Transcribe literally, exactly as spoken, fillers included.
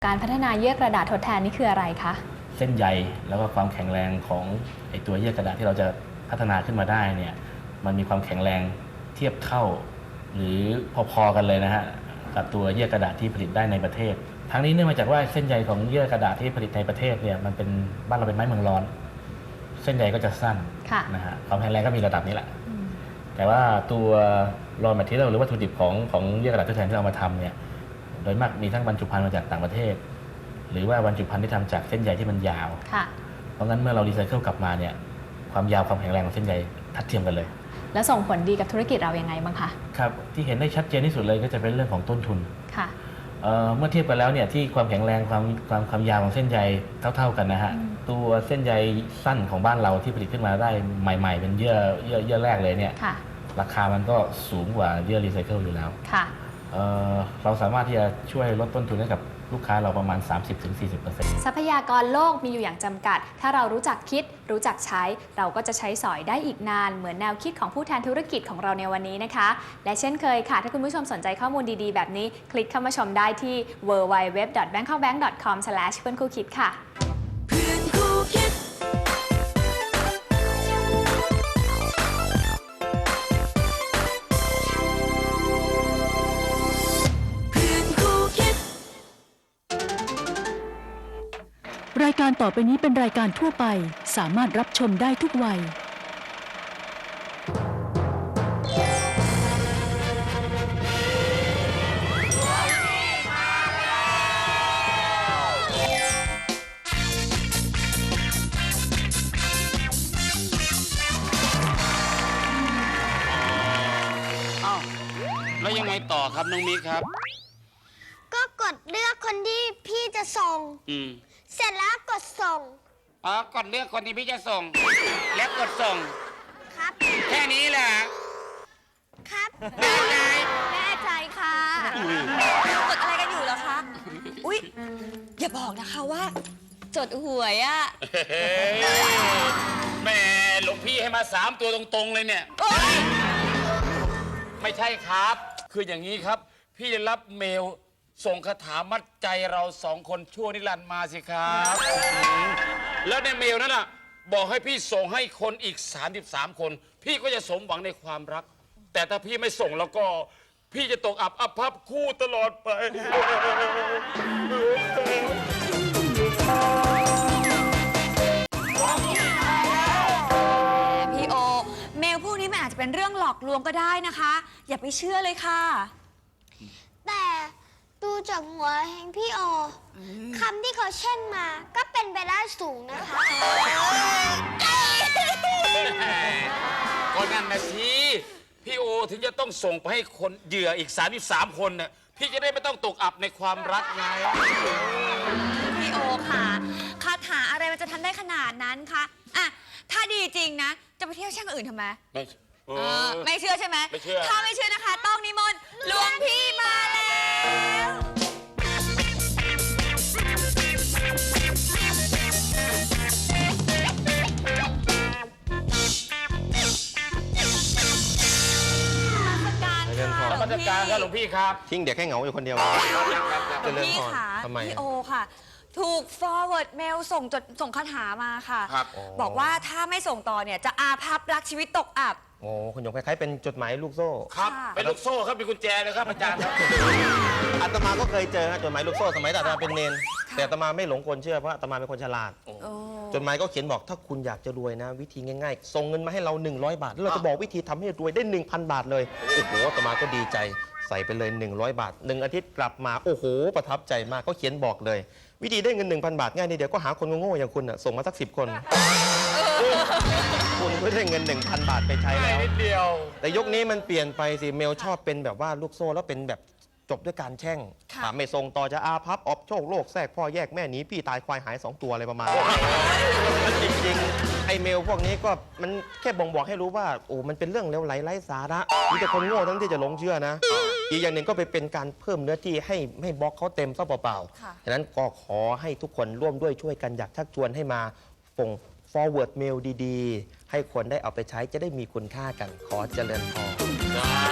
การพัฒนาเยื่อกระดาษทดแทนนี่คืออะไรคะเส้นใยแล้วก็ความแข็งแรงของไอตัวเยื่อกระดาษที่เราจะพัฒนาขึ้นมาได้เนี่ยมันมีความแข็งแรงเทียบเท่าหรือพอๆกันเลยนะฮะกับตัวเยื่อกระดาษที่ผลิตได้ในประเทศทั้งนี้เนื่องมาจากว่าเส้นใยของเยื่อกระดาษที่ผลิตในประเทศเนี่ยมันเป็นบ้านเราเป็นไม้เมืองร้อนเส้นใยก็จะสั้นนะฮะความแข็งแรงก็มีระดับนี้แหละแต่ว่าตัว raw material หรือวัตถุดิบของของเยื่อกระดาษทดแทนที่เรามาทำเนี่ยโดยมากมีทั้งบรรจุภัณฑ์มาจากต่างประเทศหรือว่าบรรจุภัณฑ์ที่ทำจากเส้นใยที่มันยาวเพราะงั้นเมื่อเรารีไซเคิลกลับมาเนี่ยความยาวความแข็งแรงของเส้นใยทัดเทียมกันเลยแล้วส่งผลดีกับธุรกิจเรายังไงบ้างคะครับที่เห็นได้ชัดเจนที่สุดเลยก็จะเป็นเรื่องของต้นทุนค่ะเ, เมื่อเทียบกันแล้วเนี่ยที่ความแข็งแรงความความความยาวของเส้นใยเท่าๆกันนะฮะตัวเส้นใยสั้นของบ้านเราที่ผลิตขึ้นมาได้ใหม่ๆเป็นเยื่อเยื่อเยื่อแรกเลยเนี่ยราคามันก็สูงกว่าเยื่อรีไซเคิลอยู่แล้วเเราสามารถที่จะช่วยลดต้นทุนให้กับลูกค้าเราประมาณ สามสิบถึงสี่สิบเปอร์เซ็นต์ทรัพยากรโลกมีอยู่อย่างจำกัดถ้าเรารู้จักคิดรู้จักใช้เราก็จะใช้สอยได้อีกนานเหมือนแนวคิดของผู้แทนธุรกิจของเราในวันนี้นะคะและเช่นเคยค่ะถ้าคุณผู้ชมสนใจข้อมูลดีๆแบบนี้คลิกเข้ามาชมได้ที่ ดับเบิลยู ดับเบิลยู ดับเบิลยู ดอท แบงคอกแบงก์ ดอท คอม สแลช เพื่อนคู่คิดค่ะเพื่อนคู่คิดรายการต่อไปนี้เป็นรายการทั่วไปสามารถรับชมได้ทุกวัยอ้าวแล้วยังไงต่อครับน้องมิกครับก็กดเลือกคนที่พี่จะส่งอืมเสร็จแล้วกดส่งอ๋อกดเลือกคนที่พี่จะส่งแล้วกดส่งครับแค่นี้แหละครับแน่ใจแน่ใจค่ะจดอะไรกันอยู่เหรอคะอุ๊ยอย่าบอกนะคะว่าจดหวยอะแม่หลวงพี่ให้มาสามตัวตรงๆเลยเนี่ยไม่ใช่ครับคืออย่างนี้ครับพี่ได้รับเมลส่งคาถามัดใจเราสองคนชั่วนิรันดร์มาสิครับแล้วในเมลนั้นน่ะบอกให้พี่ส่งให้คนอีกสามสิบสามคนพี่ก็จะสมหวังในความรักแต่ถ้าพี่ไม่ส่งแล้วก็พี่จะตกอับอับพับคู่ตลอดไปพี่โอเมลพวกนี้มันอาจจะเป็นเรื่องหลอกลวงก็ได้นะคะอย่าไปเชื่อเลยค่ะแต่ดูจากหัวแห่งพี่โอคำที่เขาเช่นมาก็เป็นไปได้สูงนะคะก็นั่นนะสิพี่โอถึงจะต้องส่งไปให้คนเหยื่ออีกสามสิบสามคนน่ะพี่จะได้ไม่ต้องตกอับในความรักไงพี่โอค่ะคาถาอะไรมันจะทำได้ขนาดนั้นคะอ่ะถ้าดีจริงนะจะไปเที่ยวช่างอื่นทำไมไม่ไม่เชื่อใช่ไหมไม่เชื่อถ้าไม่เชื่อนะคะต้องนิมนต์หลวงพี่มาแล้วมาตรการครับหลวงพี่ครับทิ้งเด็กให้เหงาอยู่คนเดียวพี่ค่ะพี่โอค่ะถูก forward mail ส่งจดส่งคาถามาค่ะบอกว่าถ้าไม่ส่งต่อเนี่ยจะอาภัพรักชีวิตตกอับโอ้คุณหยงคล้ายๆเป็นจดหมายลูกโซ่ครับเป็นลูกโซ่ครับเป็นกุญแจเลยครับอาจารย์ครับอาตมาก็เคยเจอจดหมายลูกโซ่สมัยอาตมาเป็นเนนแต่อาตมาไม่หลงกลเชื่อเพราะอาตมาเป็นคนฉลาดจดหมายก็เขียนบอกถ้าคุณอยากจะรวยนะวิธีง่ายๆส่งเงินมาให้เราหนึ่งร้อยบาทแล้วเราจะบอกวิธีทำให้รวยได้ หนึ่งพัน บาทเลยโอ้โหอาตมาก็ดีใจใส่ไปเลยหนึ่งร้อยบาทหนึ่งอาทิตย์กลับมาโอ้โหประทับใจมากก็เขียนบอกเลยวิธีได้เงิน หนึ่งพัน บาทง่ายนิดเดียวก็หาคนโง่ๆอย่างคุณส่งมาสักสิบคนคุณก็ได้เงิน หนึ่งพัน บาทไปใช้แล้วนิดเดียวแต่ยุคนี้มันเปลี่ยนไปสิเมลชอบเป็นแบบว่าลูกโซ่แล้วเป็นแบบจบด้วยการแช่งถามไม่ส่งต่อจะอาภัพอบโชคโลกแทรกพ่อแยกแม่หนีพี่ตายควายหายสองตัวอะไรประมาณนี้จริงๆไอเมลพวกนี้ก็มันแค่บ่งบอกให้รู้ว่าโอ้มันเป็นเรื่องเลวไหลไร้สาระมีแต่คนโง่ทั้งที่จะหลงเชื่อนะอีกอย่างหนึ่งก็ไปเป็นการเพิ่มเนื้อที่ให้ให้บล็อกเขาเต็มซะเปล่าๆฉะนั้นก็ขอให้ทุกคนร่วมด้วยช่วยกันอยากชักชวนให้มาส่ง forward mail ดีๆให้คนได้เอาไปใช้จะได้มีคุณค่ากันขอเจริญพร